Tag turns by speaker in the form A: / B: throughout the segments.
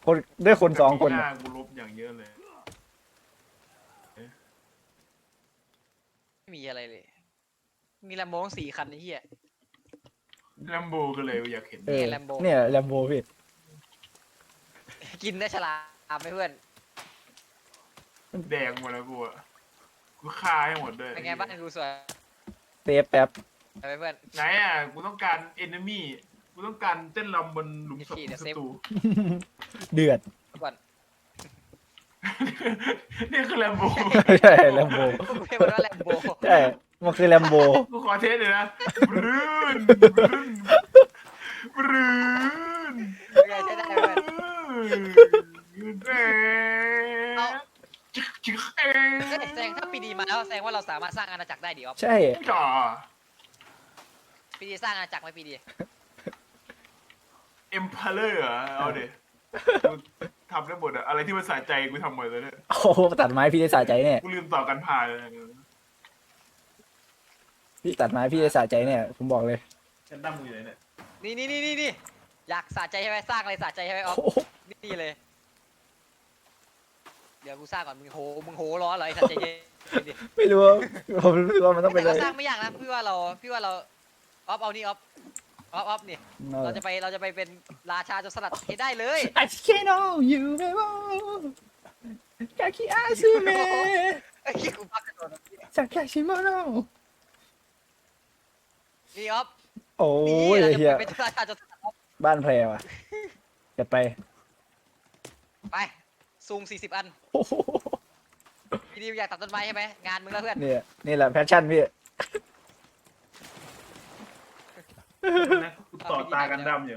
A: คนด้วยคนสองคน
B: หน้ากูลบอย่างเยอะเลย
C: ไม่มีอะไรเลย มีแลมโบทั้ง4 คันไอ้เหี้ย
B: แลมโบก็เลยอยากเห็น
A: เออ
C: แลมโบ
A: เนี่ยแลมโบพี่
C: กินได้ฉลามไหมเพื่อน
B: แดงหมดแล้วกูอะกูฆ่าให้หมดด้วย
C: เป็นไงบ้านกูสวย
A: เซฟแป๊บ
C: ไหมเพื่อน
B: ไหนอ่ะกูต้องการเอนมี่กูต้องการเต้นรำบนหลุมศพ
C: เดี๋ยว
B: ศั
C: เซฟ
B: ตรู
A: เดือด
C: ก่อน
B: นี่คือแลมโบ
A: ใช่แลมโบ
C: กูเรียกมันว่าแลมโบ
A: ใช่มันคือแลมโบ
B: กูขอเทสเลยนะบรื้นบรื้น
C: เป็นไงใช้ได้เพื่อน เอา
B: จิ๊กเอง
C: เฮ้ยแสดงถ้าปีดีมาแล้วแสดงว่าเราสามารถสร้างอาณาจักรได้ดิออฟ
A: ใช่
B: จ่อ
C: ปีดีสร้างอาณาจักรไหมปีดี
B: เอ็มพาเลอร์เอาเดี๋ยวกูทำได้หมดอะอะไรที่มันสะใจกูทำหมดเลยเนี่ย
A: โอ้โหตัดไม้พี่ได้สะใจเนี่ย
B: กูลืมต่อกันผ่านเลย
A: พี่ตัดไม้พี่ได้สะใจเนี่ยผมบอกเลย
B: ฉันตั้งมือเลยเนี่ย
C: นี่อยากสะใจใช่ไหมสร้างอะไรสะใจใช่ไหมออฟ
A: โอ้โห
C: นี่เลย เดี๋ยวกูสร้างก่อนมึงโหร้อนเหรอไอ้สะใจเย็นดิ
A: ไม่รู้ว่าผมรู้สึกว่ามันต้องเป็น
C: แต่
A: อะไร
C: ก็สร้างไม่ยากนะพี่ว่าเราออฟเอานี่ออฟนี่เราจะไปเป็นราชาโจรสลัดเฮ้ยได้เลย
A: I can't know you ไม่ว่ากาคิอาซูเมะ
C: ไอ้ขี้ยกูพักกระโดด
A: สักแค่ชิโมโน
C: นี่ออฟ
A: โอ้
C: นี่
A: ย
C: เราจะ
A: เฮีย
C: เป็นราชาโจรสลัดออฟ
A: บ้านแพรว่ะจัดไป
C: ไปซูง40 อัน
A: โอ้โห
C: พี่ดิวอยากตัดต้นไม้ใช่ไหมงานมึงแล้วเพื่อน
A: เนี่ยนี่แหละแพชชั่นพี่
B: กูต่อตากันดำอยู่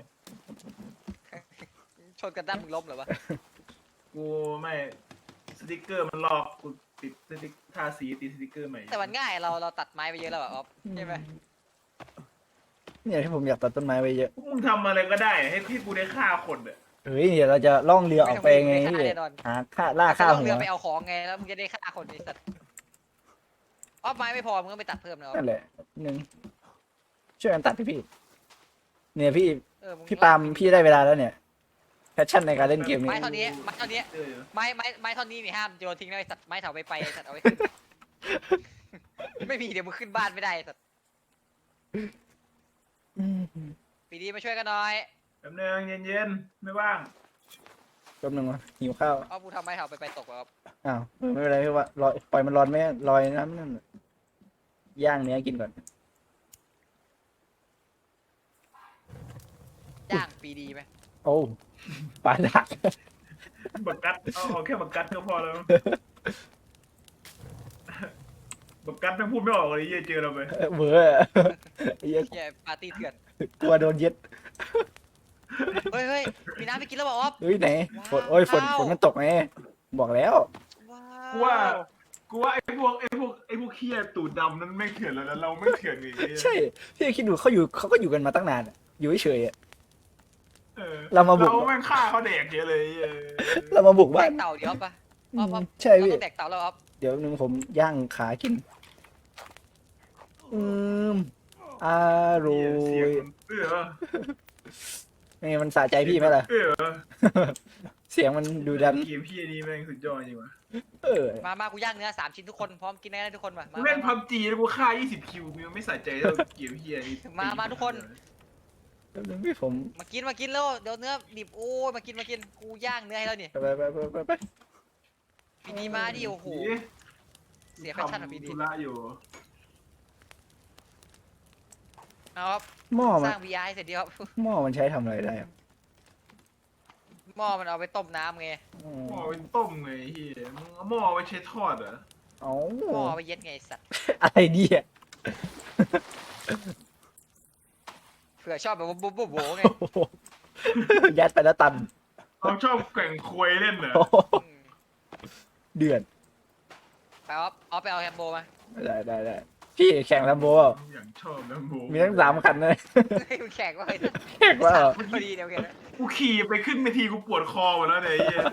C: ชนกันด้านมึงล้มเหรอวะ
B: กูไม่สติกเกอร์มันลอกกูติดสติกทาสีติดสติกเกอร์ใหม่
C: แต่มันง่ายเราตัดไม้ไปเยอะแล้วอะออฟใช่ไหม
A: เนี่ยที่ผมอยากตัดต้นไม้ไว้เยอะ
B: พวกมึงทำอะไรก็ได้ให้กูได้ฆ่าคนอ่ะ
A: เฮ้ยเดี๋ยวเราจะล่องเรือออกไปไงพี่หาฆ่าล่าฆ่า
C: ต้อง
A: หั
C: เรือ
A: ว
C: ไปเอาของไงแล้วมึงจะได้ฆ่าคนไอ้สัตว์ออฟไม้ไม่พอมึงก็ไปตัดเพิ่มนะออฟ
A: นั่นแหละหนึ่งช่วยกันตัดพี่เนี่ยพี่
C: มึง
A: พี่ปาล์มพี่ได้เวลาแล้วเนี่ยแพชชั่นในการเล่นเกมนี้
C: ไม้เท่านี้ไม้เท่านี้
B: เออ
C: ไม้เท่านี้นี่ห้ามโยนทิ้งนะไอ้สัตว์ไม้เถาไปไอ้สัตว์เอาไว้ขึ้น ไม่มีเดี๋ยวมึงขึ้นบ้านไม่ได้ไอ้สัตว์
A: อืม
C: ปีดีมาช่วยกันหน่อย
B: แป๊บนึงเย็นๆไม่ว่าง
A: แป๊บนึงวะหิวข้าว
C: เอากูทำไม้เถาไปตกแล้ว
A: อ้าวไม่เป็นไรพี่ว่าลอยปล่อยมันร้อนไหมลอยน้ำนั่นน่ะย่างเนื้อกินก่อน
C: จ้างปีดีไหม
A: โอ้ปลาดัก
B: บักกัดเอาแค่บักกัดก็พอแล้วบักกัดไม่พูดไม่ออกเลยเหี้ยเจอเราไป
A: เบื่อไอ้เหี้ย
C: แย่ปาร์ตี้เถื่อน
A: กลัวโดนเย็ด
C: เฮ้ยมีน้ำไปกินแล้วบอกออฟ
A: เฮ้ยไหนฝนโอ้ยฝนมันตกไงบอกแล้ว
C: ว้าว
B: กูว่าไอ้พวกเหี้ยตูดดำนั้นไม่เถื่อนแล้วเราไม่เถื่อนอีก
A: ใช่พี่คิดดูเขาก็อยู่กันมาตั้งนานอะอยู่เฉยๆอะ
B: เออ
A: เรามาบุก
B: เราแม่งฆ่าเขาแดกเยอะเลย
A: เรามาบุก
C: แด
A: บ้าน
C: กเต่าเดี๋ยวปะออฟ
A: ใช่
C: เรา
A: พี่
C: ต้องแดกเต่าแล้วออฟ
A: เดี๋ยวนึงผมย่างขากินมอร่อ
B: เสียง
A: ย
B: เออ
A: นี่มันสะใจพี่ไหมล่ะ
B: เออ
A: เสียงมันดูดัน
B: เกมพี่นี่แม่งสุดยอดจริงว่ะ
A: เออ
C: มากูย่างเนื้อ3 ชิ้นทุกคนพร้อมกินได้ทุกคนมา
B: กูเล่นพับจีแล้วกูฆ่า20คิวกูยังไม่สะใจเท่าเกมพี่นี่
C: มาทุกคน
A: แป๊บนึงพี่ผม
C: มากินแล้วเดี๋ยวเนื้อดิบโอ้ยมากินกูย่างเนื้อให้แล้วนี่
A: ไป
C: ปีดีมาดิโอ้โหเสียแฟชั่นของปีดี
B: ธุระอยู่
C: เอาครับ
A: หม้อ
C: ส
A: มัน
C: ร้าง VR ให้เสร็จดีครับ
A: หม้อมันใช้ทำอะไรได้อะ
C: หม้อมันเอาไปต้มน้ำไง
A: อ๋อ
B: หม้อเป็นต้มไงเฮียมึงเอาหม้อไว้ใช้ทอดเหรอ
A: เอา
C: หม้อเอาไปเย็ดไงไอ้สัตว์
A: อะไรดีอ่ะ
C: เผื่อชอบแบบว่าบุ๊บโบไง
A: โอ้โหยัดไปแล้วตัน
B: เขาชอบแข่งควยเล่นเหรอ
A: โอ้โห
C: อืม
A: เดือด
C: ไปเอาไปเอาแฮมโบมา
A: ได้พี่แข่งแลมโบเปล่า
B: อย่างชอบแล้วโม
A: มีทั้ง3 คันเลย
C: ให้มึงแข่งว่าไอ้สัตว์
A: แข่งว่า
C: พอดีเดี๋ยวแข่ง
B: กูขี่ไปขึ้นเวทีกูปวดคอหมดแล้วเนี่ยไอ้เฮีย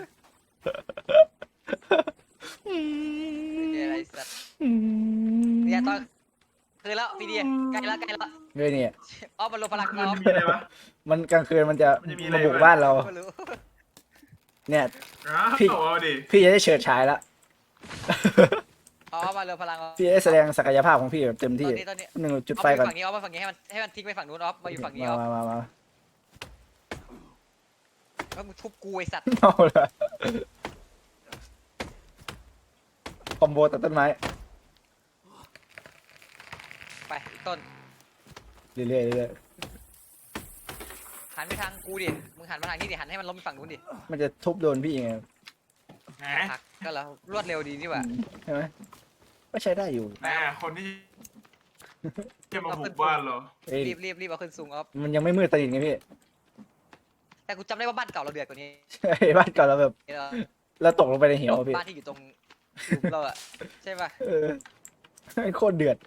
C: เดี๋ยวอะไรสัตว์เนี่ยตอนคือแล้วปีดีใกล้แล้ว
A: เฮ้ยเนี่ย
C: ออฟมันลงพลัง
B: มัน
C: ออฟ
B: จะมีอะไรวะ
A: มันกลางคืนมันจะ
B: มันจะมีอะไร
A: มาบุกบ้านเรา
C: ไม่รู้
A: เนี่ย
B: อ้าว
A: พี่
B: เอาดิ
A: พี่จะได้เฉิดฉายแล้ว
C: เอามาเร็วพลัง
A: พี่จะได้แสดงศักยภาพของพี่แบบเต็ม
C: ต
A: ที่
C: อนนี้ตอนนี้
A: หนึ่งจุด
C: เอา
A: ไฟ
C: ไป
A: ก่อน
C: ฝั่งนี้เอาไปฝั่งนี้ให้มันทิ้งไปฝั่งนู้นออฟมาอยู่ฝั่งนี้ออฟ
A: มา
C: แล้วมึงทุบกูไอสัตว์
A: เอาละคอมโบตัดต้นไม้
C: ไปอีกต้น
A: เรื่อย
C: หันไปทางกูดิมึงหันมาทางนี้ดิหันให้มันล้มไปฝั่งนู้นดิ
A: ๆมันจะทุบโดนพี่ไง
B: แหม
C: หักก็แล้วรวดเร็วดีนี่หว่า
A: ใช่ไหมก็ใช้ได้อยู่
B: แหมคนที่จะมาบุกบ้านเหรอ
A: เอ้ย
C: รีบเอาขึ้นสูงออฟ
A: มันยังไม่มืดสนิทไงพี่
C: แต่กูจำได้ว่าบ้านเก่าเราเดือดกว่านี้
A: ใช่บ้านก่อนเราแบบ
C: เออ
A: เราตกลงไปในเหวอะพี่
C: บ้านที่อยู่ตรงหลุมเราอะใช่ป่ะ
A: เออโคตรเดือด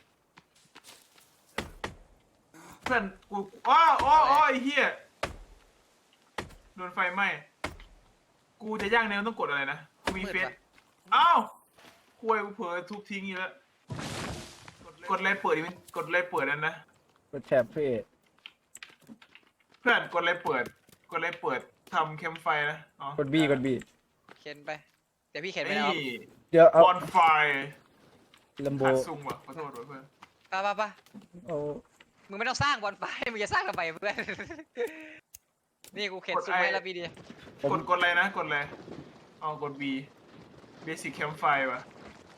B: เพื่อนกูอ้อไอ้เหี้ยโดนไฟไหม้กูจะย่างเนื้อต้องกดอะไรนะกูมีเฟซอ้าวคุยกูเผลอทุบทิ้งอีกแล้วกดอะไรเปิดดิมันกดอะไรเปิดนั่นนะ
A: กดแถบพี่
B: เพื่อนกดอะไรเปิดทำแคมป์ไฟนะอ๋อก
A: ดบี
C: เข็นไปเดี๋ยวพี่เข็นไป
B: นี่
C: แล้ว
A: เดี๋ยวเอา
B: บอนไฟ
A: ลัมโบ
B: ขาดซุงว่ะขอโทษด้วยเพื่อน
C: ป่ะ
A: เอา
C: มึงไม่ต้องสร้างบอลไฟมึงจะสร้างทำไมเพื่อน นี่กูเข็นสูงให้แล้วพี่ดี
A: ผม
B: กดอะไรนะกดอะไรอ๋อกด B Basic Campfire ว่ะ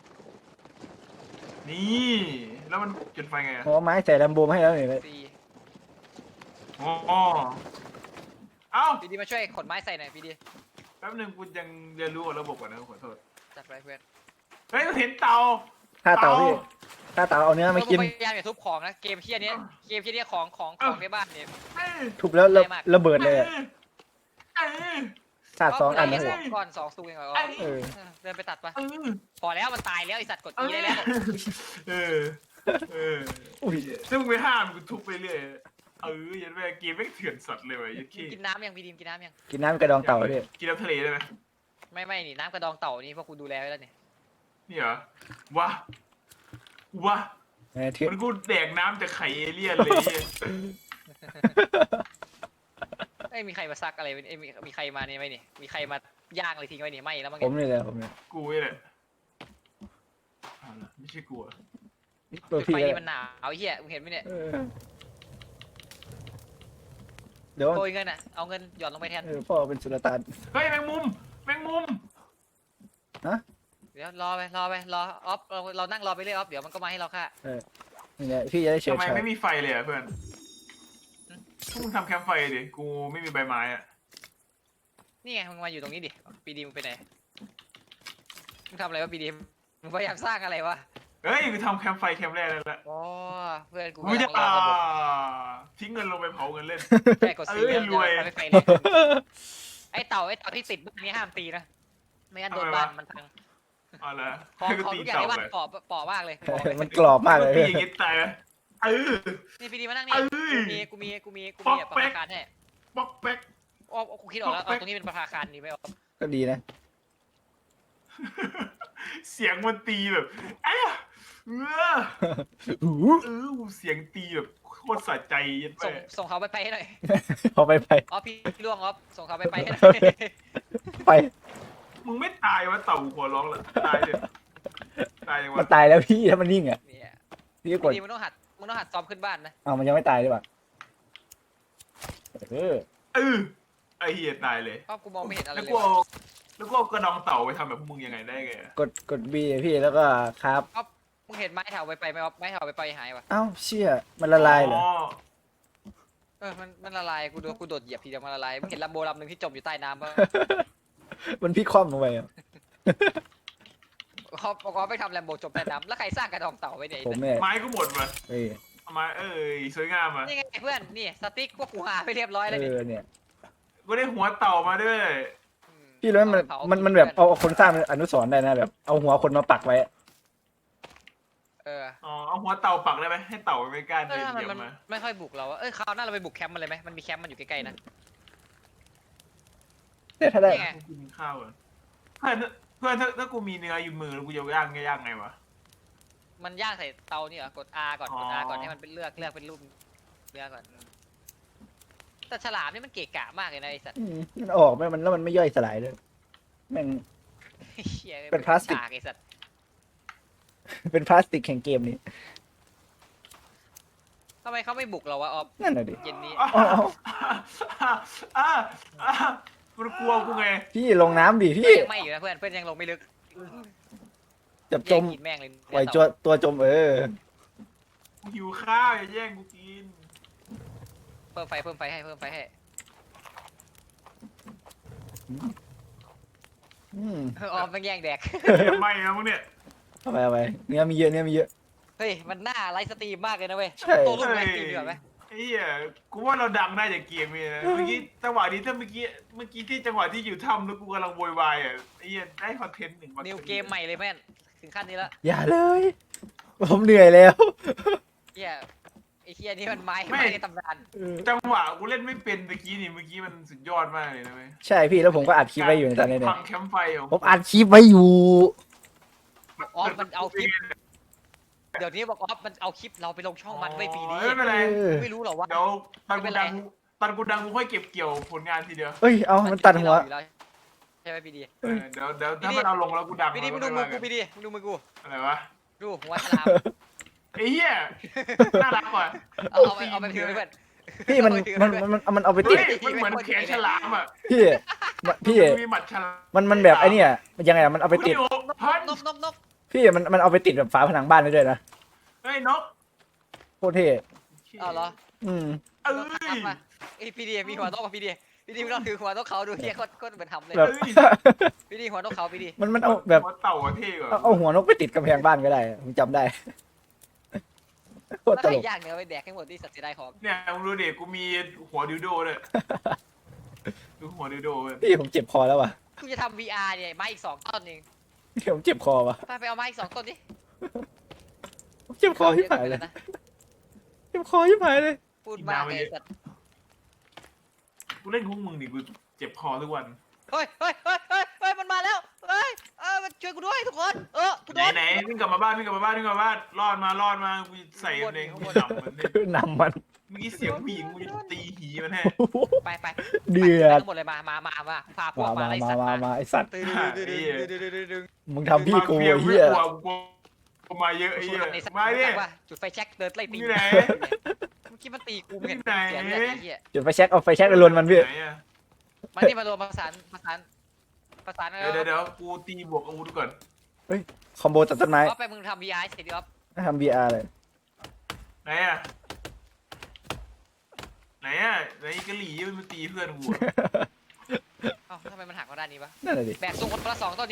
B: นี่แล้วมันจุดไฟไงอะ
A: เอาไม้ใส่ลัมโบมาให้แล้วหน่อยเลย
C: สี่
B: อ๋อเอ้า
C: พี่ดีมาช่วยขนไม้ใส่หน่อยพี่ดี
B: แป๊บนึงกูยังเรียนรู้กับระบบก่อนนะขอโทษ
C: จัดไปเพื่อน
B: เฮ้ยเห็นเตา
A: ถ้าเต่าพี่ถ้าเต่าเอาเนื้อมากิน
C: พยายามอย่าทุบของนะเกมที่อันนี้เกมที่นี้ของในบ้านเนี่ย
B: เอ้ย
A: ทุบแล้วระเบิดเลยอะ
B: เอ้ย
A: ถาดสองอันนะ
C: เ
A: พี่
C: ก้อน2 สูงเองเหรอ
A: เออ
C: เดินไปตัดปะ
B: เออ
C: พอแล้วมันตายแล้วไอสัตว์กด E ได้แล้ว
B: เออเออ
A: อุ้ย
B: ถ้ามึงไปห้ามกูทุบไปเรื่อยยันแม่เกมไม่งเถื่อนสัตว์เลยว่ะยันขี้
C: กินน้ำยังพี่ดีมกินน้ำยัง
A: กินน้ำกระดองเต่าพี่
B: กินน้ำทะเลได้ไหม
C: ไม่นี่น้ำกระดองเต่านี่พวกกูดูแลไว้แล้วเนี่ย
B: นี่เหรอวะวะ
A: เถื่อน
B: มันกูแดกน้ำจากไข่เอเลี่ยนเลยเนี่ย
C: ไอ้ยมีใครมาซักอะไรไว้เอ้ยมีใครมาเนี่ยไหมเนี่ยมีใครมาย่างอะไรทิ้งไว้เนี่ยไม่แล้วมั้ง
A: ผมนี่แหละผมเนี่ย
B: กูนี่แหละเอาล่ะไม่ใช่กูอะ
A: ตัว
C: จุด
A: พี่
C: ไฟ
A: ก็
C: นี่มันหนาวไอ้เหี้ยมึงเห็นไหมเนี่ย
A: เออเดี๋ยว
C: โกยเงินอ่ะเอาเงินหย่อนลงไปแทน
A: พ่อเป็นสุลต่าน
B: เฮ้ยแมงมุมแมงมุม
C: เดี๋ยวรอออฟเรานั่งรอไปเรื่อยออฟเดี๋ยวมันก็มาให้เราค่ะ
A: นี่แหละพี่จะได้เฉิ
B: ทำ
A: ด
B: ไม
A: ฉาย
B: ไม่มีไฟเลยอ่ะเพื่อนพวกมึงทำแคมป์ไฟดิกูไม่มีใบไม้อ่ะ
C: นี่ไงมึงมาอยู่ตรงนี้ดิปีดีมึงไปไหนมึงทำอะไรวะปีดีมึงพยายามสร้างอะไรวะ
B: เฮ้ยกูทำแคมป์ไฟแคมป์แรกแล้วละ
C: อ๋อเพื่อนกู
B: กูจะ
C: กำลังรอระบบ
B: ทิ้งเงินลงไปเผาเงินเล่น
C: แค่กดซี
B: เอ้ยรวย
C: ไปเลยไอ้เต่าที่ติดบ้านนี้ห้ามตีนะไม่งั้นโดนบ้านมันพัง
B: เอาละ
C: ของ
B: ให้กู
C: ของ
B: ตี
C: ทุกอย่าง
B: เต่า
C: ในบ้าน
B: ไป
C: เปาะมากเลย
A: มันกรอบมากเลย
B: ตีอย่างงี้ตายไหมเออ
C: นี่ปีดีมานั่งนี่
B: เอ้ย
C: กูมี
B: ป๊อก
C: แบบ
B: แป๊
C: ประ
B: ก
C: ภาคารให้
B: ป๊อกแป๊ก
C: อ๋อกูคิดออกแล้วเอาตรงนี้เป็นประภาคารดีไหมอ๋อ
A: ก็ดีนะ
B: เสียงมันตีแบบเอ้ยเออ
A: อู้
B: เสียงตีแบบโคตรสะใจยัน
C: ส่
B: แม่
C: งส่งเขาไปให้หน่อย
A: พอไป
C: อ๋อพี่ล่วงอ๋อส่งเขาไปให้หน่อย
A: ไป
B: มึงไม่ตายวะเต่าหัวร้องเหรอตายเลยตายยัง
A: มัน
B: วะ
A: ตายแล้วพี่ถ้ามันนิ่งอ่ะ
C: เนี่ย
A: พี่ก็กด
C: ดีมึงต้องหัดซ้อมขึ้นบ้านนะ
A: เอามันยังไม่ตายดีกว่าเออ
B: ไอเฮียตายเลย
C: เพราะกูมองไม่เห็นอะไร
B: แล้ว
C: เลย
B: กูเอากระดองเต่าไปทำแบบพวกมึงยังไงได้ไงอะ
A: กดบีพี่แล้วก็ครับ
C: อ๋อมึงเห็นไม้แถวไปไหมอ๋อไม้แถวไปหายวะ
A: เอ้าเชี่ยมันละลายเหรอ
C: มันละลายกูโดดเหยียบทีเดียวมันละลายมึงเห็นลำโบลำหนึ่งที่จมอยู่ใต้น้ำป่ะ
A: มันพี่คว่ำลงไปอ่ะ
C: เขาไปทำแลมโบจมใต้น้ำแล้วใครสร้างกระดองเต่าไว้เนี่ย
A: ผมเนี่ย
B: ไม้ก็หมดว่ะ
A: เอ้ย
B: เอาไม้สวยงามอ่ะ
C: นี่ไงเพื่อนนี่สติ๊กพวกกูหาไปเรียบร้อยแล้วนี่
A: เนี่ย
B: กูได้หัวเต่ามาด้วย
A: พี่รู้ไหมมันแบบเอาคนสร้างเป็นอนุสรณ์ได้นะแบบเอาหัวคนมาปักไว้
B: อ๋อเอาหัวเต่าปักได้ไหมให้เต่าไม่กล้าเดิน
C: มัน
B: เดี่ยว
C: มัน
B: มา
C: ไม่ค่อยบุกเราอะคราวหน้าเราไปบุกแคมป์มันเลยไหมมันมีแคมป์มันอยู่ใกล้ๆนะ
A: เนี่ยถ้าได้
C: นี่ไง
B: กูกินข้าวอ่ะเพื่อนถ้ากูมีเนื้ออยู่มือแล้วกูจะย่างไงวะ
C: มันย่างใส่เตานี่เหรอกด R ก่อนกด R ก่อนให้มันเป็นเลือกเป็นรูปเนื้อก่อนแต่ฉลามนี่มันเกะกะมากเลยนะไอ้สัตว์
A: มันออกไหมมันแล้วมันไม่ย่อยสลายเลยแม่ง
C: เหี้ย
A: เป็นพลาสติก
C: ฉไอ้สัตว์
A: เป็นพลาสติกแห่งเกมนี้
C: ทำไมเขาไม่บุกเราวะออฟ
A: นั่นน่ะดิ
C: เย็นนี้
A: อ๋อ
B: มันกลัวกูไง
A: พี่ลงน้ำดิ
C: เพื่
A: พี่
C: อนยังไม่อยู่นะเพื่อนเพื่อนยังลงไม่ลึก
A: จับจ
C: แย่ง
A: ม
C: กินแม่งเลย
A: ปล่อยตัวจม
B: กูหิวข้าวอย่าแย่งกูกิน
C: เพิ่มไฟให้เพิ่มไฟให้
A: อืม
C: ออฟมันแย่งแดก
B: ไม่นะมึงเนี่ย
A: เอาไปเนื้อมีเยอะ
C: เฮ้ยมันน่าไลฟ์สตรีมมากเลยนะเว้ย
A: ใช่
C: ตัวลูกไลฟ์สตรีมดีกว่าไหม
B: ไอ้เหี้ยกูว่าเราดังได้จากเกมนี้นะเมื่อกี้จังหวะนี้ถ้าเมื่อกี้ที่จังหวะที่อยู่ถ้ำแล้วกูกำลังโวยวายอ่ะไอ้เหี้ยได้คอนเทนต์หนึ่ง
C: นิวเกมใหม่เลยแม่นถึงขั้นนี้แล้ว
A: อย่าเลย ผมเหนื่อยแล้ว
C: เฮียไอ้เฮียนี่มันไม้ในตำนาน
B: จังหวะกูเล่นไม่เป็นเมื่อกี้มันสุดยอดมากเลยนะเว้ย
A: ใช่พี่แล้วผมก็อัดคลิปไว้อยู่ในตอนนี้เนี่
B: พั
A: ย
B: งแคมป์ไฟของ
A: ผมอัดคลิปไว้อยู่
C: ออฟมันเอาคลิปเดี๋ยวนี้บอกออฟมันเอาคลิปเราไปลงช่องมันไว้ปีนี้
B: ไม่เป็นไร
C: ไม่รู้หรอว่า
B: เดี๋ยวตอนกูดังกูค่อยเก็บเกี่ยวผลงานทีเดียว
A: เอ้ยเอามันตัดหัว
C: ใช่ไหมปีดี
B: เดี๋ยวถ้ามันเอาลงแล้วกูดัง
C: ปีดีมึงดูมือกูปีดีมึงดูมือกู
B: อะไรวะ
C: ดูหัวฉลาม
B: ไอ้เหี้ยน่ารักว่ะ
C: เอาไปถือไปเพื่อน
A: พี่มันเอาไปติ
B: เฮ้
A: ด
B: ยมันเหมือนแขนฉลามอ่ะ
A: พี่
B: มีหมัดฉลาม
A: มันแบบไอ้เนี่ยมันยังไงอะมันเอาไปติด
B: พัน
C: นก
A: พี่มันเอาไปติดแบบฝาผนังบ้านได้ด้วยนะ
B: เฮ้ยนก
A: โคตรเท่
C: เอาเหรอ
A: อืม
B: เอ้
C: นก
B: ย
C: ทำมาไอ้ปีดีมีหัวนกกับปีดีมึงต้องถือหัวนกเขาดูเฮียโคตรเหมือนทำเลย
A: แบบ
C: ปีดีหัวนกเขาปีดี
A: มันเอาแบบ
B: หัวเต่าอะเท่กว่า
A: เอาหัวนกไปติดกำแพงบ้านก็ได้ผมจำได้โคตร
C: แล้ว
A: ต
C: ใคร
A: ลก
C: ย่างเนื้อไปแดกให้หมดที่สัตว์เสียดายของ
B: เนี่ยมึงดูเด็กกูมีหัวดิวโดเลยดูหัวดิวโดเลย
A: พี่ผมเจ็บคอแล้วว่ะ
C: กูจะทำ VR เนี่ยไม้อีก2 ต้นเอง
A: พี่ผมเจ็บคอว่ะ
C: ไปเอาไม้อีก2 ต้นดิ
A: ผมเจ็บคอที่ผายเลยเจ็บคอที่ผายเลย
C: พูดมากเลยสัตว์
B: กูเล่นของมึงดิกูเจ็บคอทุกวัน
C: เฮ้ยมันมาแล้วมันช่วยกูด้วยทุกคนกูโดน
B: ไหนวิ่งกลับมาบ้านรอดมากูใส่ใน
C: ข้างบน
B: ดำมันเนี่ย
A: นำมัน
B: เมื่อกี้เสียงผู้หญิงกูจะตีหีมันแน่
C: ไป
A: เดือด
C: ทั้งหมดเลยมาพาพวก
A: มา
C: มาไล่สัตว์มา
A: ไอสัตว์
C: ตึง
A: มึงทำพี่กูไอ้เหี้ย
B: กูมาเยอะไอ้เหี้ย
C: ในสัตว์
B: มาดิ
C: ว่าจุดไฟแช็กเดินไล่ตี
B: อยู่ไหน
C: เมื่อกี้มันตีกูเห็น
B: ไหน
C: เสียเลือดไอ้เหี้ย
A: จุดไฟแช็กเอาไฟแช็กไปลนมันพี่
B: ไหนอะ
C: มานี่มารวมประสาน
B: เดี๋ยวกูตีบวกอาวุธก่อน
A: คอมโบตัดต้นไม้
C: ไปมึงทำ VR เสร็จดิอ๊อฟ
A: ทำ VR เลย
B: ไหนอะไหนกะหรี่มันตีเพื่อนกูอะ
C: เอ้าทำไมมันหักมาด้านนี้วะ
A: นั่นแหละดิ
C: แบกส่งคนละ2 ต้นนี้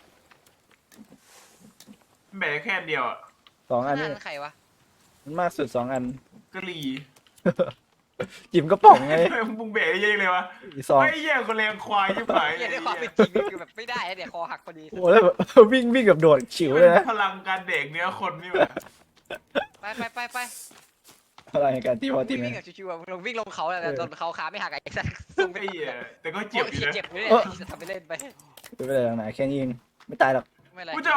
B: แบกแค่อันเดียวอะ
A: 2 อัน
C: นั่
A: นี่
C: นใครวะ
A: มันมากสุด2 อัน
B: กะหรี่
A: จิ๋มกระป๋องไง
B: มึงแบกเยอะเลยวะ
A: อีก 2
B: ไอ้เหี้ยคนแรงควายยิ่งไป
C: เหี้ยด้วยความเป็นจริงคือแบบไม่ได้เดี๋ยวคอหักพอดี
A: โอ้แล้วแบบ วิ่งแบบโดดฉิวเลยนะ
B: พลังการแดกเนื้อคนนี่แบบ
C: ไป
A: อะไรในการตีพอตี
C: วิ่
A: ไหม
C: งกับชิวๆอะลงวิ่งลงเขาแล้วโดนเขาขาไม่หักไอ้สัตว์ส่งไป
B: ไอ้เหี้ยแต่ก็เจ็บอยู่นะ
C: เจ็บอยู่เลยทำไปเล่นไป
A: ไม่เป็นไรหรอกนะแค่นี้เองไม่ตายหรอก
C: ไม่ไร
B: กูจะ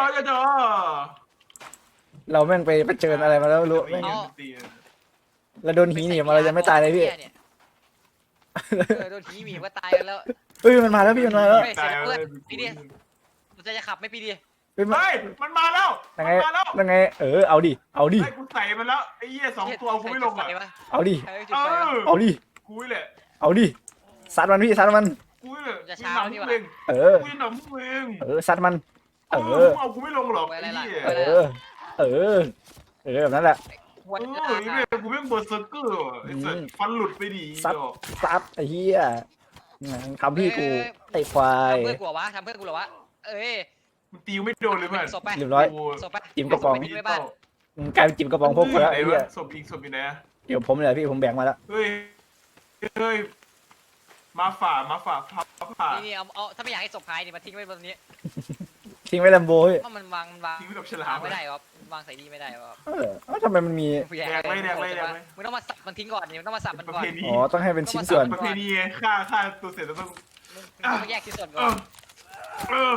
A: เราแม่งไปเผชิญอะไรมาแล้วไม่รู้แม่งเราโดนหีหนีบมาเรายังไม่ตายเลยพี่
C: โดนหีหนีบก็ตายกันแล้ว
A: เฮ้ยมันมาแล้วพี่มันมาแล้ว
B: ตายเลย
C: เราจะขับไม่ปีดี
A: เฮ้ยมัน
B: เฮ้ยมันมาแล้ว
A: ยังไง
B: มาแล้ว
A: ยังไงเอาดิ
B: ไอ้กูใส่มันแล้วไอ้เหี้ย2 ตัวกูไม่ลงอ่ะ
A: เอาดิ
B: เอ
A: เอาดิ
B: กูนี่แหละ
A: เอาดิซัดมันพี่ซัดมัน
B: กูนี่แหละ
C: จะ
B: กู
C: ช้า
B: หนำ
C: นี่
B: มึ
C: วะ
B: งเอง
A: เออ
B: กูจะหนำมึงเอง
A: ซัดมัน เออ
B: เอากูไม่ลงหรอกไอ้เหี้ย
A: เออ เออแบบนั้นแหละ
C: หัว
B: เออไอ้เนี่ยกูแม่งเบิร์ดเซอร์เกอร์ว่ะไอ้สัสฟันหลุดไปดี
A: ซัดไอ้เหี้ยทำพี่กูไอ้ควาย
C: ทำเพื่อนกูเหรอวะทำเพื่อนกูเหรอวะเอ้ย
B: มันตีไม่โดนเลยเพื่อน
C: ศพไป
A: เรียบร้อย
C: ศพไป
A: จิ้มกระป๋อง
C: ไปบ้าน
A: กลายเป็นจิ๋มกระป๋องพวกคนแล้ว
B: ไหน
A: ไอ้เหี้ยว
B: ะศพอีกศพอยู่ไหนอะ
A: เดี๋ยวผมเลยพี่ผมแบ่งมาแล้ว
B: เฮ้ยมาฝ่าผ่า
C: นี่เอาถ้าไม่อยากให้ศพหายนี่มาทิ้งไว้บนนี้
A: ทิ้งไว้แลมโบ้พี่
C: เพราะมันวาง
B: ทิ้งไว้กับฉลาม
C: ไม่ได้ครับวางใส่ดีไม่ได้ครับ
A: ทำไมมันมี
C: มึงต้องมาสับมันทิ้งก่อนนี่มึงต้องมาสับมัน
B: ประ
C: ก่อน
B: เพณี
A: อ๋อต้องให้เป็นชิ้นส่วน
B: ประเพณีไงฆ่าตัวเสร็จแล้วต้อง
C: มึงต้องมาแยกชิ้นส่วนก่อน
B: เออ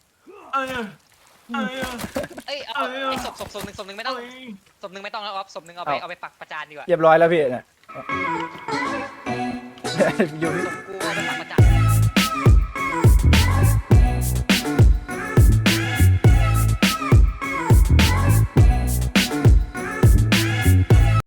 C: เอ้ยเอาไอ้ศพหนึ่งไม่ต้องศพหนึ่งไม่ต้องแล้วครับศพหนึ่งเอาไปปักประจานดีกว่า
A: เรียบร้อยแล้วพี่เนี่ยอยู่
C: ส่งกู